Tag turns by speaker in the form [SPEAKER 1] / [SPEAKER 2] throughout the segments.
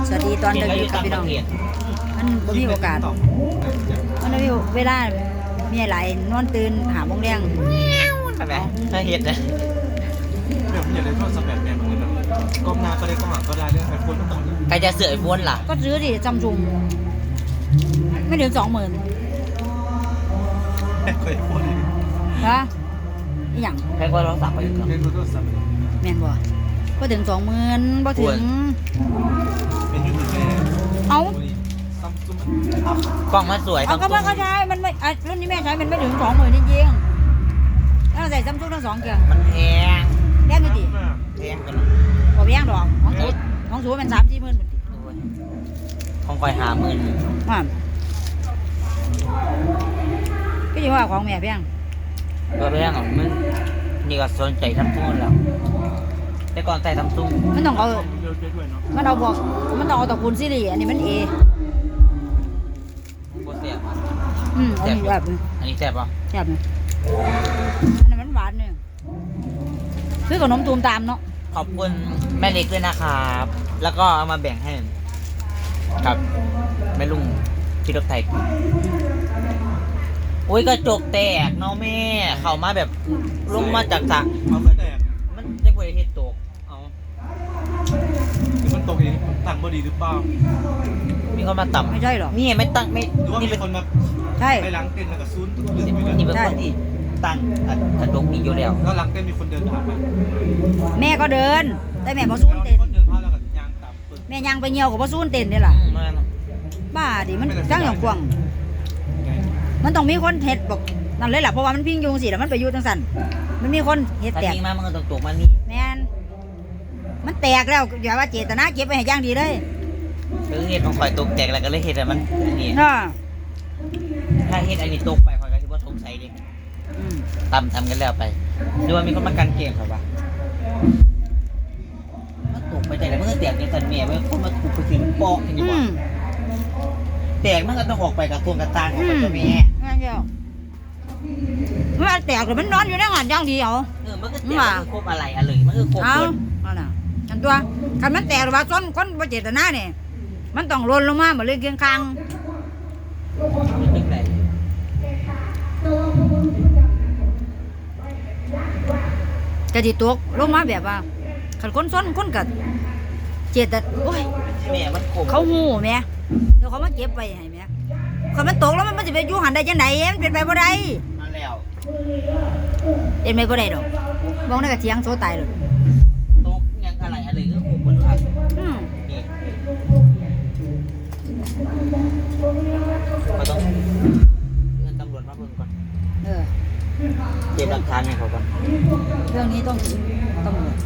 [SPEAKER 1] สวัสดีตอนดึกครับพี่น้องมันบ่มีโอกาสมันไม่มีเวลามีหลายนอนตื่นหาโมงแรง
[SPEAKER 2] ใช่ไหมถ้าเห็ดนะ
[SPEAKER 3] เดี๋ยวผมอยากได้โทรศัพท์แบบแมนเหมือนกันกล้องหน้าก็ได้กล้องหลังก็ได้เรื่องไอโฟนก็ต้อง
[SPEAKER 2] ใครจะเสือไอโฟนล่ะ
[SPEAKER 1] ก็ซื้อดิซัมซุงไม่ถึง20,000
[SPEAKER 3] เคยโฟน
[SPEAKER 1] ฮะอีหยัง
[SPEAKER 2] ใครก็โทรศัพท์ไปอีกครับ
[SPEAKER 3] เล่นโทรศัพท์
[SPEAKER 1] แม่นบ่ถึง20,000บ่ถึง
[SPEAKER 3] เป็นยูทูบเบอร์
[SPEAKER 1] เอา
[SPEAKER 2] กล้องมันสวย
[SPEAKER 1] เอาก็มันก็ใช้มันไม่รุ่นนี้แม่ใช้มันไม่ถึง20,000จริงๆแล้วใส่ซัมซุงทั้ง2เครื่อง
[SPEAKER 2] มันแพง
[SPEAKER 1] แพงอยู่ดิ
[SPEAKER 2] แพงกัน
[SPEAKER 1] บ่แพงดอกของสูมัน3-4 หมื่น
[SPEAKER 2] ของคอย50,000
[SPEAKER 1] ก็อยู่ว่าของแม่แพง
[SPEAKER 2] ก็แพงอ่ะมันนี่ก็สนใจซัมซุงแล้วแต่ก่อนใส่ซัมซุง
[SPEAKER 1] มันต้องเอามันเอาบอกมันต้องเอาตระกูลซีรีส์อันนี้มัน A
[SPEAKER 2] โคตรแซ่บ
[SPEAKER 1] อันนี้แบบ
[SPEAKER 2] อันนี้แซ่บป่ะ
[SPEAKER 1] แซ่บอันนั้นมันหวานเนี่ยคือขนมตูมตามเนาะ
[SPEAKER 2] ขอบคุณแม่เล็กด้วยนะครับแล้วก็เอามาแบ่งให้ครับแม่ลุงที่รถไทยโอ้ยกระจกแตกเนาะแม่เข้ามาแบบลงมาจากสระ
[SPEAKER 3] เอาก็แตก
[SPEAKER 2] มันจะคุยเฮ็ดตกเอา
[SPEAKER 3] หรือมันตกเองตั้งบดีหรือเปล่า
[SPEAKER 2] มีคนมาต่ำ
[SPEAKER 1] ไม่ใช่หรอ
[SPEAKER 2] นี่ไม่ตั้งไม่
[SPEAKER 3] หรือว่ามีคนมา
[SPEAKER 1] ใช่
[SPEAKER 3] ไปล้างเต้นแล้วก็ซูนตุ๊กเรื่อง
[SPEAKER 2] นี่เป็นคนที่ตั้งกระจกนี่อยู่แล้ว
[SPEAKER 3] แล้วล้างเต้นมีคนเดินผ่านไป
[SPEAKER 1] แม่ก็เดินแต่แม่พอซูนเต้น
[SPEAKER 3] คนเดินผ่านแล้วก็ยางต่ำ
[SPEAKER 1] แม่ยางไปเหี่ยวกับพอซูนเต้นนี่แหละบ้าดิมันจังอย่างกว้างมันต้องมีคนเฮ็ดบอกนั่นเลยแหละเพราะว่ามันพิงยุงสิแล้วมันไปอยู่จังสั่นมันมีคนเฮ็ดแตก
[SPEAKER 2] มามันก็ตกมันนี่
[SPEAKER 1] แม่นมันแตกแล้วอย่าว่าเจตนาเก็บไปให้ย่างดีเลย
[SPEAKER 2] คือเฮ็ดของข่อยตกแตกแล้วก็เลยเฮ็ดให้มันนี่ถ้าเฮ็ดอันนี้ตกไปข่อยก็สิบ่สงสัยดิทำกันแล้วไปดูว่ามีคนมากันเกมครับว่ามันตกไปใจแล้วมันก็แตกในสันเมียมันคนมาถูกไปถึงปอกอย่างนี้ว่าแตกมันก็ต้องออกไปกับตัวกระตางของตัวแม่
[SPEAKER 1] นั่นเดียวมันแตกหรือมันนอนอยู่ในงานย่างดีเอา
[SPEAKER 2] มันก็แตกมันคือครบอะไรอะไรมันคือครบเลย
[SPEAKER 1] เอาน่ะอันตัวคันมันแตกหรือว่าซ้นคนบ่เจตนาเนี่ยมันต้องหล่นลงมาเหมือนเรื่องเคียงข้างกระดิตกลงมาแบบว่าขันคนซ้นคนกัดเจตโอ้ยเขาหูแม่เดี๋ยวเขามาเก็บไปให้แม่ขันมันตกแล้วมันจะไปอยู่หันได้จังไหนมันเป็นไปบ่ได้
[SPEAKER 2] มาแล้ว
[SPEAKER 1] เป็นไปบ่ได้ดอกมองได้กับเทียงโซตายเลย
[SPEAKER 2] ตกยังอะไรก็คงบนทันนี่ก็ต้องเงินตำรวจมาเพิ่มก่อนเก็บหลักฐานให้เขาก่อน
[SPEAKER 1] เรื่องนี้ต้องถึงตำรวจ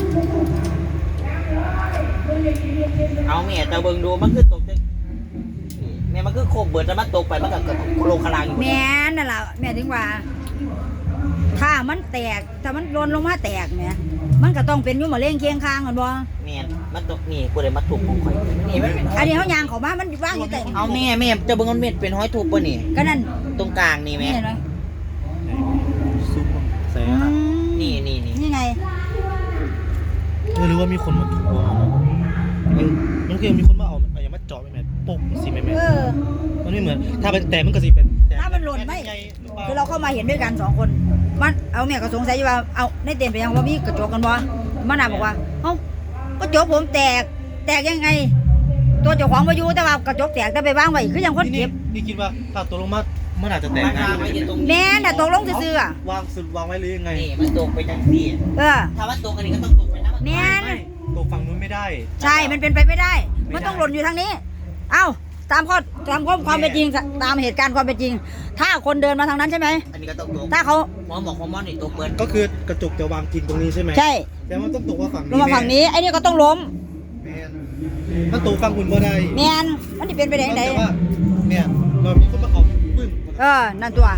[SPEAKER 2] เอาแม่แต่เบิ่งดูมันคือตกแม่มันคือโคบเบิดแล้วมันตกไปมันก็โคลคลางอยู่
[SPEAKER 1] แม่นั่นแหละแม่ถึงว่าถ้ามันแตกถ้ามันโดนลงมาแตกเนี่ยมันก็ต้องเป็นยุ่งมาเล่งเคียงข้างกันบ่
[SPEAKER 2] แม่มันตกนี่กูเลยมาถูกของข่อยนี่มัน
[SPEAKER 1] อันนี้เขายางเขามามันว่างอยู่แต่
[SPEAKER 2] เอาแม่จะเบิ่งมันเม็ดเป็นห้อยถูกป่ะนี่
[SPEAKER 1] ก็นั่น
[SPEAKER 2] ตรงกลางนี่แม่
[SPEAKER 3] ซุปใส่
[SPEAKER 1] นี่ไง
[SPEAKER 3] หรือว่ามีคนมาถูกมันคือมีคนมาเอาอะไรมาเจาะแม่ปุ๊บสิแม่มันไม่เหมือนถ้าเป็นแต่มันก็สิเป็น
[SPEAKER 1] ถ้ามันหล่นไม่คือเราเข้ามาเห็นด้วยกัน2 คนมันเอาแม่ก็สงสัยว่าเอาในเต็มไปยังว่ามีกระจกกันบ่มันน่ะบอกว่าเอ้ากระจกผมแตกยังไงตัวเจ้าของมาอยู่แต่ว่ากระจกแตกแต่ไปวางไว้คือยังคนเก็บ
[SPEAKER 3] นี่คิดว่าถ้าตกลงมามันอาจจะแตก
[SPEAKER 1] แม่น่ะตกลงซื่อ
[SPEAKER 3] วางสุดวางไว้หรือยังไง
[SPEAKER 2] นี่มันตกไปจังซี่ถ้าว่าตกอันนี้ก็ต้องตกไปนะ
[SPEAKER 1] แม่
[SPEAKER 3] ตกฝั่งนู้นไม่ได้
[SPEAKER 1] ใช่มันเป็นไปไม่ได้มันต้องหล่นอยู่ทางนี้เอ้าตามความเป็นจริงตามเหตุการณ์ความเป็นจริงถ้าคนเดินมาทางนั้นใช่ไหม
[SPEAKER 2] อันนี้ก็ต้องตก
[SPEAKER 1] ถ้าเขา
[SPEAKER 2] หมอนี่ตกเบิด
[SPEAKER 3] ก็คือกระจกจะวางกินตรงนี้ใช่ไหม
[SPEAKER 1] ใช่
[SPEAKER 3] แต่มันต้องตกว่าฝั่งนี้
[SPEAKER 1] ลงมาฝั่งนี้ไอ้นี่ก็ต้องล้ม
[SPEAKER 3] มันตกฝั่งคุณบ่ได้
[SPEAKER 1] แม่นมันจะเป็นไปได้ไหน
[SPEAKER 3] เนี่ยเรามีคนมาเขาปึ้ง
[SPEAKER 1] นั่นตัว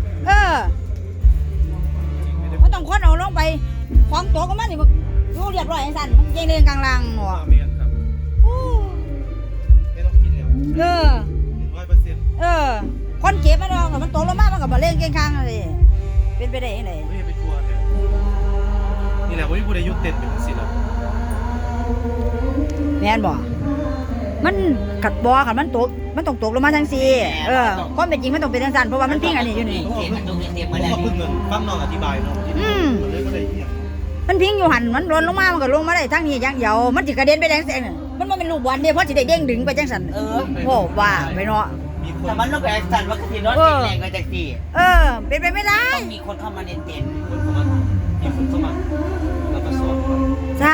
[SPEAKER 1] มันต้องคนเอาลงไปของตัวก็มันนี่ดูเรียบร้อยไอ้สันมันยังเรียงกลางล่างหัว
[SPEAKER 3] ไม่ต้องกินแล้ว
[SPEAKER 1] 100%คนเก็บไม่ได้มันตกลงมามันก็มาเล่นเก่งข้างอะไรเป็นไปได้ยังไง
[SPEAKER 3] ไม่ไปทัวร์นี่แหละว่าผู้ใดยุติเป็นสิแล้ว
[SPEAKER 1] แม่นบ่มันกัดบอค่ะมันตกมันต้องตกลงมาทั้งสี่ความเป็นจริงมันต้องเป็นทั้งสั้นเพราะว่ามันพิงอันนี้อยู่นี่
[SPEAKER 2] เห็นมันตุ้งเต็ม
[SPEAKER 3] ผ
[SPEAKER 2] มาม แล้ว
[SPEAKER 3] ก็เพิ่งฟังน้องอธิบายเนาะเลยก็ได้เนี่ย
[SPEAKER 1] มันพิงอยู่หันมันหล่นลงมามันก็ลงมาได้ทั้งนี้อย่างเดียวมันสิกระเด็นไปแดงแสงน่ะมันบ่เป็นลูกบอลเด้เพราะสิได้เด้งดึงไปจังซั่นโอ้ว่าไปเนาะ
[SPEAKER 3] มีคน
[SPEAKER 2] แต่มันลูกแอนสันว่าคือรถแรงกว่าจากสี่
[SPEAKER 1] เป็นไปไม่ได้
[SPEAKER 2] ต้องมีคนเข้ามาในเต็นท์
[SPEAKER 3] มีคนเข้ามาแล้วก็สอน
[SPEAKER 1] ใช่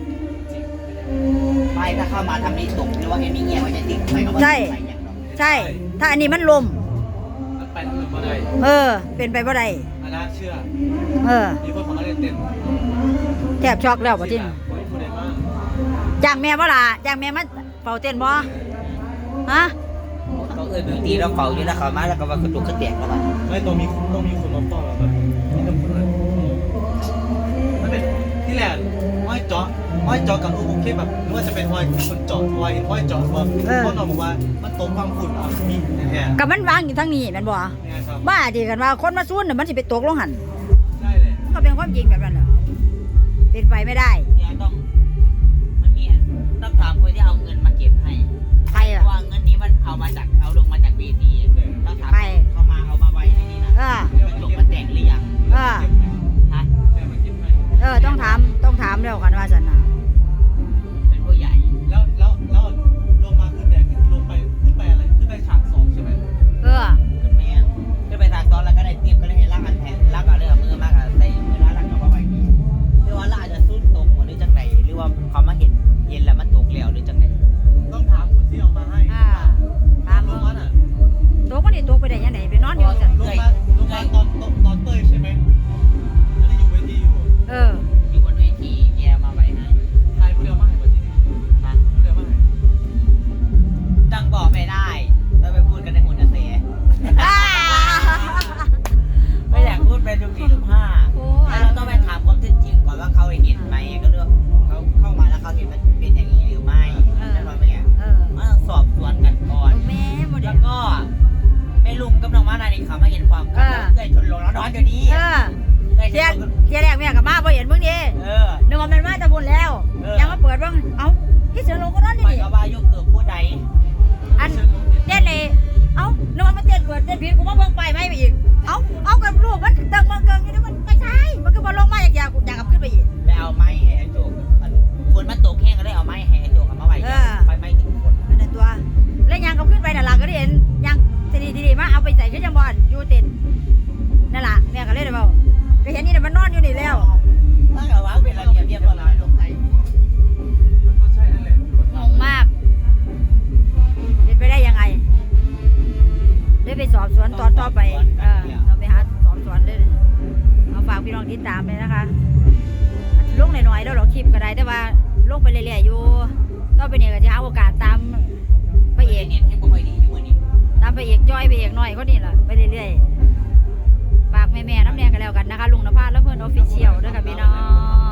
[SPEAKER 2] ไม่ถ้าเข้ามาทำนี้ตกหรือว่าเอ็นนี่เงี้ยว่าจะติดไปก็ว่า
[SPEAKER 1] ใช่ ถ้าอันนี้มันลม
[SPEAKER 3] มันไปทางอื่นมาได้
[SPEAKER 1] เป็นไปบ่ได้
[SPEAKER 3] อันน่าเชื่อ มีคนเข้ามาเล่นเต้น
[SPEAKER 1] แทบช็อกแล้วบ่ทิน
[SPEAKER 3] คนใดมาก
[SPEAKER 1] จ้างแม่บ่ล่ะจ้างแม่มาเฝ้าเต้นบ่ฮะ
[SPEAKER 2] เขาบิวตี้แล้วเฝ้าอยู่แล้วเขามาแล้วก็ว่ากระตุกกระแตกแล้วมัน
[SPEAKER 3] ไม่ต้องมีคนมาป้อนเราแบบนี่ต้องพูดเลยมันเป็นที่แหละห้อยเจาะกับโอเคแบบไม่ว่าจะเป็นห้อยคนเจาะห้อยเจาะว่าพ่อน้องบอกว่ามันตรงความฝุ่นอ่ะมีแท้
[SPEAKER 1] กับมันวางอยู่ทางนี้แม่นบ่
[SPEAKER 3] ๆนี่ครับ
[SPEAKER 1] บ้าที่กันว่าคนมาซุ่นน่ะมันสิไปตกลงหัน
[SPEAKER 3] ได้เลย
[SPEAKER 1] ก็เป็นความจริงแบบนั้นน่ะเป็นไปไม่ได้
[SPEAKER 2] เดี๋ยวต้องมันมีต้องถามคนที่เอาเงินมาเก็บให้
[SPEAKER 1] ใคร
[SPEAKER 2] เพ
[SPEAKER 1] อ่ะ
[SPEAKER 2] ราะว่าเงินนี้มันเอาลงมาจากเวทีต้องถามเขามาเอามาไว้ในนี้นะมันจบมันแตกหรือยังฮะ
[SPEAKER 1] ต้องถามแล้วกันว่าซั่นน่ะ
[SPEAKER 2] เป็นผู้ใหญ่
[SPEAKER 3] แล้วลงมาขึ้นแต่ลงไปขึ้นไปอะไรขึ้นไปฉาก2ใช่ไหม
[SPEAKER 2] ขึ้นแมนขึ้นไปทางตอนแล้วก็ได้เตรียมก็ได้ให้ลากอันแทนลากเอาเรื่องมือมากอะใส่มือล้างเอามาไว้นี่หรือว่าลากอาจจะซุ่นตกหรือจังไหนหรือว่าเขามาเห็นแล้วมันตกแล้วหรือจังไหน
[SPEAKER 3] ต้องถามคนที่เอามาให้
[SPEAKER 1] ถาม
[SPEAKER 3] ลงมาน่ะ
[SPEAKER 1] ตกบ่ได้ตกไปได้ยังไงไปนอนอยู่ซั่น
[SPEAKER 3] ลงมาตอนเต้ยใช่ไหมอันนี้อยู่เวทีอยู่
[SPEAKER 2] อยู่บนเวทีแกมาไว้ให้
[SPEAKER 3] ใครผู้เดียวมาให้คนที่นี่
[SPEAKER 2] ฮะ
[SPEAKER 3] ผู้เดียวมาให้
[SPEAKER 2] จังบอกไม่ได้ต้องไปพูดกันในหุ่นเสียไม่อยากพูดเป็นทุกทีทุกห้าแล้วเราต้องไปถามความเท็จจริงก่อนว่าเขาเห็นไหมก็เรื่องเขาเข้ามาแล้วเขาเห็นมันเป็นอย่างนี้หรือไม่ใช่ไหมแม่ต้องสอบสวนกันก่อน
[SPEAKER 1] แม่บ่ได้
[SPEAKER 2] แล้วก็แม่ลุงกับน้องมานานี่เขามาเห็นความกันเกิดชนลงแล้วนอนอยู่นี่เ
[SPEAKER 1] ที่แรกแม่ก็มาบ่เห็นมึงดินึกว่ามันมาตะบุญแล้วยังมาเปิดเบิ่งเอ้าที่เสือลงก็นอนนี่
[SPEAKER 2] ไปกับว่ายุคเกิดผู้ใด
[SPEAKER 1] อันเต้นเลยเอ้านึกว่ามันเต้นเปิดเต้นผิดกูมาเบิ่งไปไหมไปอีกเอากับลูกมันตึงมันเกิงอยู่นี่มันไม่ใช่มันก็บ่ลงมาอยากกับขึ้นไปอีก
[SPEAKER 2] ไปเอาไม้แห่โจกฝนมันตกแห้งก็ได้เอาไม้แห่โจกเอามาไว้ไฟไม้ถึงฝน
[SPEAKER 1] นั่นตัวแล้วยังกับขึ้นไปนั่นล่ะก็ได้เห็นยังทีมาเอาไปใส่ขึ้นจังบ่อนอยู่เต้นนั่นล่ะแม่ก็เลยได้เว้าก็เห็นนี่น่ะมันนอนอยู่นี่แล้ว
[SPEAKER 2] ถ้าเกิดว่าเป็นระเบียบเรียบร้อยลงใจ
[SPEAKER 3] มันก็ใช่นั่นแหละ
[SPEAKER 1] งงมากเป็นไปได้ยังไงได้ไปสอบสวนตอนต่อไปเราไปหาสอบสวนเลยเอาฝากพี่น้องติดตามเลยนะคะลงหน่อยๆแล้วเราคลิปก็ได้แต่ว่าลงไปเรื่อยๆอยู่ต้องไปเนี่ยก็จะหาโอกาสตามพระเอก
[SPEAKER 2] เนี่ยให้บ่ค่อยดีอยู่วันนี้
[SPEAKER 1] ตามพระเอกจ้อยพระเอกหน่อยก็นี่แหละไปเรื่อยๆฝากแม่ๆน้ำแดงกันแล้วกันนะคะลุงนภาและเพื่อนออฟฟิเชียลด้วยค่ะพี่น้อง